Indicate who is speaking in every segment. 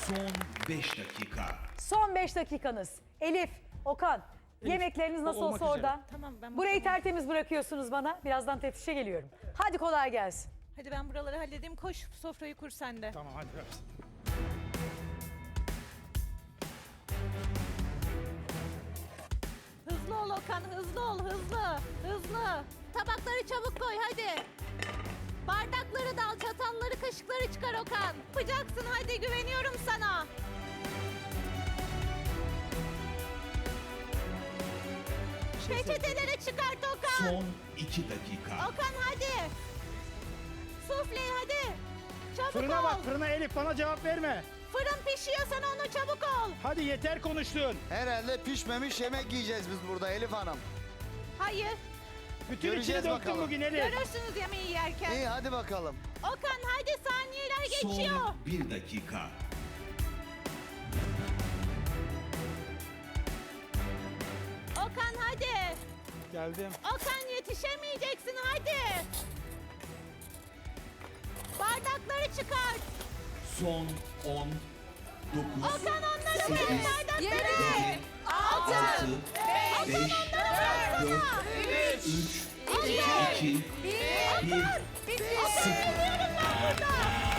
Speaker 1: Son 5 dakika.
Speaker 2: Son 5 dakikanız. Elif, Okan, yemekleriniz nasıl
Speaker 3: olmak
Speaker 2: olsa
Speaker 3: üzere.
Speaker 2: orada.
Speaker 4: Tamam, ben
Speaker 2: Burayı
Speaker 4: bakarım.
Speaker 2: tertemiz bırakıyorsunuz bana. Birazdan teftişe geliyorum. Hadi kolay gelsin.
Speaker 4: Hadi ben buraları halledeyim. Koş sofrayı kur sen de.
Speaker 3: Tamam hadi ver.
Speaker 4: Hızlı ol Okan, hızlı ol, hızlı. Hızlı. Tabakları çabuk koy hadi. Bardakları da al, çatalları, kaşıkları çıkar Okan. Yapacaksın hadi, güveniyorum sana. Peçeteleri çıkart Okan.
Speaker 1: Son 2 dakika.
Speaker 4: Okan hadi. Sufleyi hadi. Çabuk
Speaker 3: Fırına
Speaker 4: ol.
Speaker 3: bak fırına Elif bana cevap verme.
Speaker 4: Fırın pişiyor, sen onu çabuk ol.
Speaker 3: Hadi yeter konuştun.
Speaker 5: Herhalde pişmemiş yemek yiyeceğiz biz burada Elif Hanım.
Speaker 4: Hayır,
Speaker 3: Bütün
Speaker 5: Göreceğiz
Speaker 3: içini döktün
Speaker 5: bakalım.
Speaker 3: bugün Elif.
Speaker 4: görürsünüz yemeği yerken.
Speaker 5: İyi hadi bakalım.
Speaker 4: Okan hadi, saniyeler geçiyor.
Speaker 1: Son 1 dakika.
Speaker 4: Okan hadi.
Speaker 3: Geldim.
Speaker 4: Okan yetişemeyeceksin hadi. Bardakları çıkart.
Speaker 1: Son 10, 9,
Speaker 4: Okan onları
Speaker 1: 8,
Speaker 4: verin, bardakları.
Speaker 1: 7, 6, 5, 4, 3, 2, 1,
Speaker 4: Okan ölüyorum ben burada.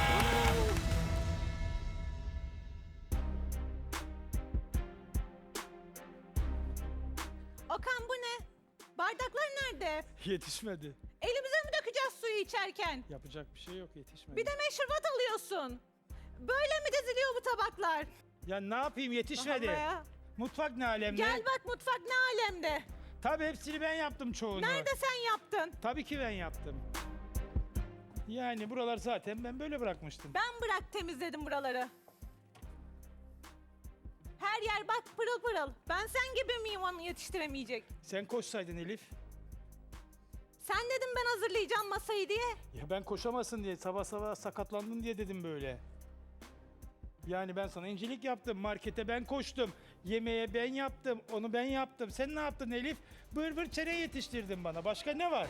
Speaker 4: Okan bu ne? Bardaklar nerede?
Speaker 3: Yetişmedi.
Speaker 4: Elimize mi dökeceğiz suyu içerken?
Speaker 3: Yapacak bir şey yok yetişmedi.
Speaker 4: Bir de meşrubat alıyorsun. Böyle mi diziliyor bu tabaklar?
Speaker 3: Ya ne yapayım yetişmedi.
Speaker 4: Allah ya.
Speaker 3: Mutfak ne alemde?
Speaker 4: Gel bak, mutfak ne alemde.
Speaker 3: Tabii hepsini ben yaptım çoğunu.
Speaker 4: Nerede sen yaptın?
Speaker 3: Tabii ki ben yaptım. Yani buralar zaten ben böyle bırakmıştım.
Speaker 4: Ben bırak temizledim buraları. Her yer bak pırıl pırıl. Ben sen gibi miyim onu yetiştiremeyecek?
Speaker 3: Sen koşsaydın Elif.
Speaker 4: Sen dedim ben hazırlayacağım masayı diye.
Speaker 3: Ya ben koşamasın diye sabah sabah sakatlandın diye dedim böyle. Yani ben sana incelik yaptım, markete ben koştum, yemeğe ben yaptım, onu ben yaptım. Sen ne yaptın Elif? Bır bır çene yetiştirdin bana. Başka ne var?